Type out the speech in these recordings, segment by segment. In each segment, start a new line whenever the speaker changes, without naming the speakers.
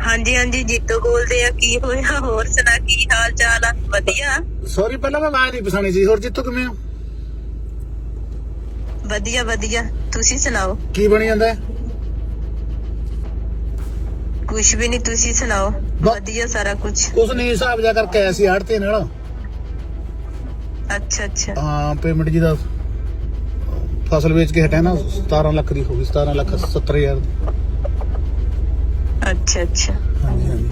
ਹਾਂਜੀ ਹਾਂਜੀ ਜੀਤੋ ਬੋਲਦੇ ਆ। ਕੀ ਹੋਇਆ? ਹੋਰ ਸੁਣਾ, ਕੀ ਹਾਲ ਚਾਲ ਆ? ਵਧੀਆ
ਸੌਰੀ, ਪਹਿਲਾਂ ਮੈਂ ਆਵਾਜ਼ ਨਹੀਂ ਪਛਾਣੀ ਸੀ। ਹੋਰ ਜਿੱਤੋਂ ਕਿਵੇਂ ਹੋ?
ਵਧੀਆ ਵਧੀਆ, ਤੁਸੀਂ ਸੁਣਾਓ?
ਕੀ ਬਣੀ ਜਾਂਦਾ?
ਕੁਛ ਵੀ ਨਹੀਂ, ਤੁਸੀਂ ਸੁਣਾਓ? ਵਧੀਆ ਸਾਰਾ ਕੁਛ।
ਕੁਛ ਨਹੀਂ, ਹਿਸਾਬ ਜਾ ਕਰਕੇ ਆਇਆ ਸੀ ਆੜ੍ਹਤੇ ਨਾਲ।
ਅੱਛਾ ਅੱਛਾ
ਹਾਂ, ਪੇਮੈਂਟ ਜੀ ਦਾ ਫਸਲ ਵੇਚ ਕੇ ਹਟਿਆ ਨਾ, 17 ਲੱਖ ਦੀ ਹੋ ਗਈ, 17,70,000।
ਅੱਛਾ ਅੱਛਾ,
ਹਾਂਜੀ ਹਾਂਜੀ।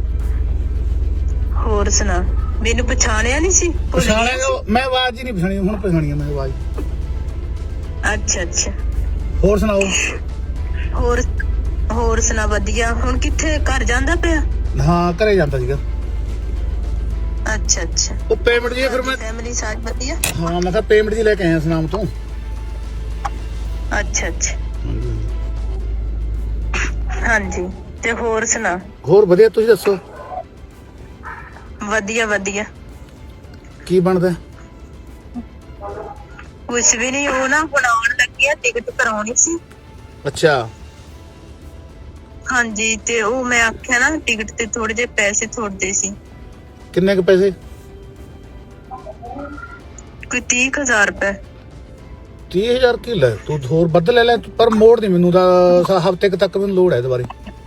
ਹੋਰ ਸੁਣਾ। ਮੈਨੂੰ ਪਛਾਣਿਆ ਨਹੀਂ ਸੀ? ਭੁੱਲ ਗਿਆ
ਪਛਾਣਿਆ
ਸੀ?
ਮੈਂ ਆਵਾਜ਼ ਹੀ ਨਹੀਂ ਪਛਾਣੀ, ਹੁਣ ਪਛਾਣੀ ਆ ਮੈਂ ਆਵਾਜ਼।
ਅੱਛਾ ਅੱਛਾ,
ਹੋਰ ਸੁਣਾਓ?
ਹੋਰ ਹੋਰ ਸੁਣਾ। ਵਧੀਆ। ਹੁਣ ਕਿੱਥੇ? ਘਰ ਜਾਂਦਾ ਪਿਆ?
ਹਾਂ, ਘਰੇ ਜਾਂਦਾ ਸੀਗਾ।
ਅੱਛਾ ਅੱਛਾ,
ਉਹ ਪੇਮੈਂਟ ਜੀ ਫਿਰ ਮੈਂ,
ਫੈਮਿਲੀ ਸਾਰੀ ਵਧੀਆ?
ਹਾਂ ਮੈਂ ਕਿਹਾ ਪੇਮੈਂਟ ਜੀ ਲੈ ਕੇ ਆਇਆ ਸੁਨਾਮ ਤੋਂ।
ਅੱਛਾ ਅੱਛਾ, ਹਾਂਜੀ। ਤੇ ਹੋਰ ਸੁਣਾ।
ਹੋਰ ਵਧੀਆ, ਤੁਸੀਂ ਦੱਸੋ?
ਵਧੀਆ ਵਧੀਆ।
ਕੀ ਬਣਦਾ?
ਕੁਛ ਵੀ ਨਹੀਂ, ਉਹ ਨਾ ਹੁਣ ਆਉਣ ਲੱਗੇ ਆ, ਟਿਕਟ ਕਰਾਉਣੀ ਸੀ।
ਅੱਛਾ।
ਹਾਂਜੀ, ਤੇ ਉਹ ਮੈਂ ਆਖਿਆ ਨਾ ਟਿਕਟ ਤੇ ਥੋੜੇ ਜਿਹੇ ਪੈਸੇ ਥੋੜਦੇ ਸੀ।
ਕਿੰਨੇ ਕੁ ਪੈਸੇ?
ਕੋਈ 30,000 ਰੁਪਏ।
30,000 ਕੀ ਲੈ, ਤੂੰ ਹੋਰ ਵੱਧ ਲੈ ਲੈ, ਪਰ ਮੋੜ ਦੀ ਮੈਨੂੰ ਤਾਂ ਹਫ਼ਤੇ ਤੱਕ ਮੈਨੂੰ ਲੋੜ ਹੈ ਦੁਬਾਰੇ।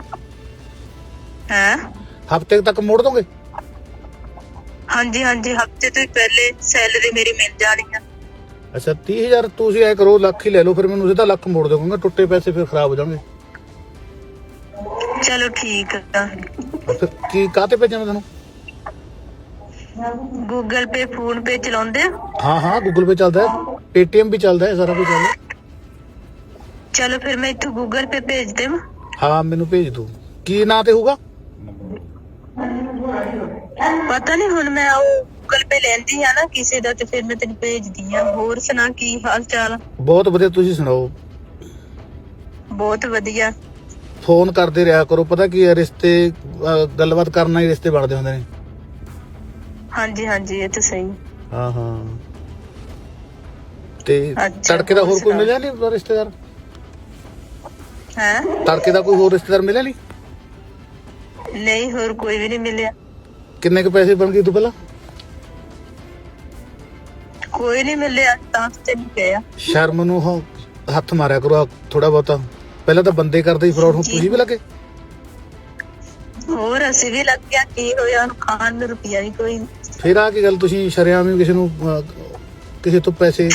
ਹੈ?
ਹਫ਼ਤੇ ਤੱਕ ਮੋੜ ਦੋਗੇ?
ਹਾਂਜੀ ਹਾਂਜੀ, ਹਫਤੇ ਤੋਂ ਹੀ ਪਹਿਲੇ ਸੈਲਰੀ ਮੇਰੀ ਮਿਲ ਜਾਣੀ ਆ।
ਅੱਛਾ, 30,000 ਤੁਸੀਂ ਐ ਕਰੋ, ਲੱਖ ਹੀ ਲੈ ਲਓ, ਫਿਰ ਮੈਨੂੰ ਸਿੱਧਾ ਲੱਖ ਮੋੜ ਦੋਗੇ। ਟੁੱਟੇ ਪੈਸੇ ਫਿਰ ਖਰਾਬ ਹੋ ਜਾਣਗੇ।
ਚਲੋ ਠੀਕ ਆ।
ਫਿਰ ਕੀ ਕਾਹਤੇ ਭੇਜਾਂ ਮੈਂ ਤੁਹਾਨੂੰ?
ਗੂਗਲ ਪੇ, ਫੋਨ ਪੇ ਚਲਾਉਂਦੇ ਆ?
ਹਾਂ ਹਾਂ, ਗੂਗਲ ਪੇ ਚੱਲਦਾ ਹੈ, ਪੇਟੀਐਮ ਵੀ ਚੱਲਦਾ ਹੈ, ਸਾਰਾ ਕੁਝ ਚੱਲਦਾ।
ਚਲੋ ਫਿਰ ਮੈਂ ਇੱਥੋਂ ਗੂਗਲ ਪੇ ਭੇਜ ਦੇਵਾਂ?
ਹਾਂ, ਮੈਨੂੰ ਭੇਜ ਦੂ। ਕੀ ਨਾਂ ਤੇ ਹੋਊਗਾ?
ਪਤਾ ਨਹੀਂ, ਹੁਣ ਮੈਂ ਉਹ ਗੂਗਲ ਪੇ ਲੈਂਦੀ ਆ ਨਾ ਕਿਸੇ ਦਾ, ਤੇ ਫਿਰ ਮੈਂ ਤੈਨੂੰ ਭੇਜਦੀ ਆ। ਹੋਰ ਸੁਣਾ, ਕੀ ਹਾਲ ਚਾਲ?
ਬਹੁਤ ਵਧੀਆ, ਤੁਸੀਂ ਸੁਣਾਓ?
ਬਹੁਤ ਵਧੀਆ।
ਫੋਨ ਕਰਦੇ ਰਿਹਾ ਕਰੋ, ਪਤਾ ਕੀ ਹੈ, ਰਿਸ਼ਤੇ ਗੱਲਬਾਤ ਕਰਨਾ ਹੀ ਰਿਸ਼ਤੇ ਬਣਦੇ ਹੁੰਦੇ ਨੇ।
ਹਾਂਜੀ ਹਾਂਜੀ, ਇਹ ਤਾਂ ਸਹੀ।
ਹਾਂ ਹਾਂ। ਤੇ
ਅੱਛਾ,
ਤੜਕੇ ਦਾ ਹੋਰ ਕੋਈ
ਸੁਣਾ।
ਮਿਲਿਆ ਨਹੀਂ ਰਿਸ਼ਤੇਦਾਰ?
ਹੈ?
ਤੜਕੇ ਦਾ ਕੋਈ ਹੋਰ ਰਿਸ਼ਤੇਦਾਰ ਮਿਲਿਆ ਨਹੀਂ?
ਨਹੀਂ, ਹੋਰ ਕੋਈ ਵੀ ਨਹੀਂ ਮਿਲਿਆ।
ਕਿੰਨੇ ਕੁ ਪੈਸੇ ਬਣ ਗਏ ਤੂੰ ਪਹਿਲਾਂ?
ਕੋਈ ਨਹੀਂ ਮਿਲਿਆ ਤਾਂ ਤੈਨੂੰ ਕਿਹਾ।
ਸ਼ਰਮ ਨੂੰ ਹੱਥ ਮਾਰਿਆ ਕਰੋ ਥੋੜਾ ਬਹੁਤਾ। ਪਹਿਲਾਂ ਤਾਂ ਬੰਦੇ ਕਰਦੇ ਹੀ ਫਰਾਡ, ਹੁਣ ਤੁਸੀਂ ਵੀ ਲੱਗੇ।
ਹੋਰ ਅਸੀਂ ਵੀ ਲੱਗ ਗਿਆ, ਕੀ ਹੋਇਆ? ਉਹਨੂੰ ਖਾਣ ਨੂੰ ਰੁਪਿਆ ਵੀ ਕੋਈ ਨੀ।
ਫਿਰ ਆ ਕੀ ਗੱਲ, ਤੁਸੀਂ ਸ਼ਰੇਆਮ ਵੀ ਕਿਸੇ ਨੂੰ ਕਿਸੇ ਤੋਂ ਪੈਸੇ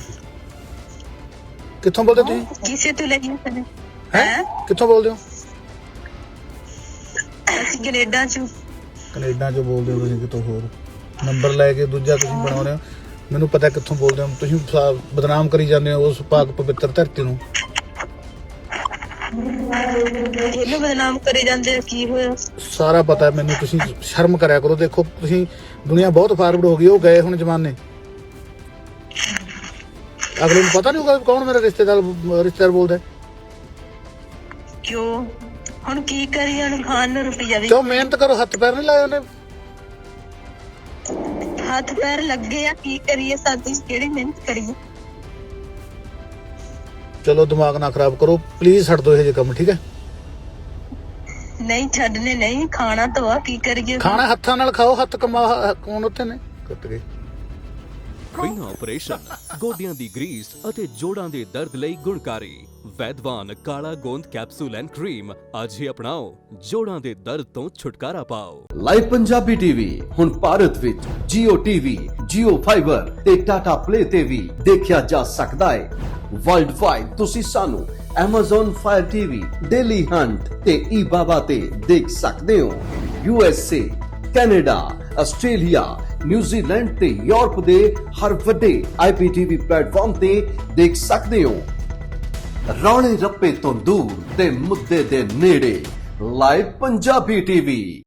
ਕਿੱਥੋਂ ਬੋਲਦੇ ਤੁਸੀਂ?
ਕਿਸੇ ਤੋਂ ਲਈ ਕਦੇ?
ਹੈ ਕਿੱਥੋਂ ਬੋਲਦੇ ਹੋ?
ਅਸੀਂ ਕੈਨੇਡਾ ਚੋਂ।
ਕੈਨੇਡਾ ਚੋਂ ਬੋਲਦੇ ਹੋ ਤੁਸੀਂ? ਕਿਤੋਂ ਹੋਰ ਨੰਬਰ ਲੈ ਕੇ ਦੂਜਾ ਤੁਸੀਂ ਬਣਾਉਂਦੇ ਹੋ। ਮੈਨੂੰ ਪਤਾ ਕਿੱਥੋਂ ਬੋਲਦੇ ਹੋ ਤੁਸੀਂ। ਬਦਨਾਮ ਕਰੀ ਜਾਂਦੇ ਹੋ ਉਸ ਪਾਕ ਪਵਿੱਤਰ ਧਰਤੀ ਨੂੰ।
ਇਹਨੂੰ ਬਦਨਾਮ ਕਰੀ ਜਾਂਦੇ ਆ, ਕੀ ਹੋਇਆ?
ਸਾਰਾ ਪਤਾ ਮੈਨੂੰ, ਤੁਸੀਂ ਸ਼ਰਮ ਕਰਿਆ ਕਰੋ। ਦੇਖੋ ਤੁਸੀਂ, ਦੁਨੀਆ ਬਹੁਤ ਫਾਰਵਰਡ ਹੋ ਗਈ, ਉਹ ਗਏ ਹੁਣ ਜ਼ਮਾਨੇ। ਅਗਲੇ ਨੂੰ ਪਤਾ ਨਹੀਂ ਹੋਊਗਾ ਕੌਣ ਮੇਰਾ ਰਿਸ਼ਤੇਦਾਰ ਬੋਲਦਾ।
ਕਿਉਂ? ਹੁਣ ਕੀ ਕਰੀਏ? ਉਹਨੂੰ ਖਾਣ ਨੂੰ ਰੁਪਿਆ ਵੀ।
ਕਿਉਂ? ਮਿਹਨਤ ਕਰੋ, ਹੱਥ ਪੈਰ ਨਹੀਂ ਲਾਏ ਉਹਨੇ।
ਹੱਥ ਪੈਰ ਲੱਗੇ ਆ, ਕੀ ਕਰੀਏ? ਸਾਡੀ ਕਿਹੜੀ ਮਿਹਨਤ ਕਰੀਏ?
ਚਲੋ ਦਿਮਾਗ ਨਾ ਖਰਾਬ ਕਰੋ ਪਲੀਜ਼, ਛੱਡ ਦਿਓ ਇਹ ਜਿਹੇ ਕੰਮ, ਠੀਕ ਹੈ?
ਨਹੀਂ ਛੱਡਨੇ ਨਹੀਂ, ਖਾਣਾ ਤਾਂ ਆ, ਕੀ ਕਰੀਏ?
ਖਾਣਾ ਹੱਥਾਂ ਨਾਲ ਖਾਓ, ਹੱਥ ਕਮਾ ਕੌਣ ਉੱਥੇ ਨੇ ਕੱਟ ਗਏ।
ਬਿਨਾਂ ਆਪਰੇਸ਼ਨ, ਗੋਡਿਆਂ ਦੀ ਗਰੀਸ ਅਤੇ ਜੋੜਾਂ ਦੇ ਦਰਦ ਲਈ ਗੁਣਕਾਰੀ ਵੈਦਵਾਨ ਕਾਲਾ ਗੋਂਦ ਕੈਪਸੂਲ ਐਂਡ ਕਰੀਮ ਅੱਜ ਹੀ ਅਪਣਾਓ, ਜੋੜਾਂ ਦੇ ਦਰਦ ਤੋਂ ਛੁਟਕਾਰਾ ਪਾਓ।
ਲਾਈਵ ਪੰਜਾਬੀ ਟੀਵੀ ਹੁਣ ਭਾਰਤ ਵਿੱਚ Jio TV, Jio Fiber ਤੇ Tata Play ਤੇ ਵੀ ਦੇਖਿਆ ਜਾ ਸਕਦਾ ਹੈ। ਵਰਲਡ ਵਾਈਡ ਤੁਸੀਂ ਸਾਨੂੰ Amazon Fire TV, Daily Hunt ਤੇ eBaba ਤੇ ਦੇਖ ਸਕਦੇ ਹੋ। USA, ਕੈਨੇਡਾ, ਆਸਟ੍ਰੇਲੀਆ, ਨਿਊਜ਼ੀਲੈਂਡ ਤੇ ਯੂਰਪ ਦੇ ਹਰ ਵੱਡੇ IPTV ਪਲੇਟਫਾਰਮ ਤੇ ਦੇਖ ਸਕਦੇ ਹੋ। ਰੌਲੇ ਰੱਪੇ ਤੋਂ ਦੂਰ ਤੇ ਮੁੱਦੇ ਦੇ ਨੇੜੇ, ਲਾਈਵ ਪੰਜਾਬੀ ਟੀਵੀ।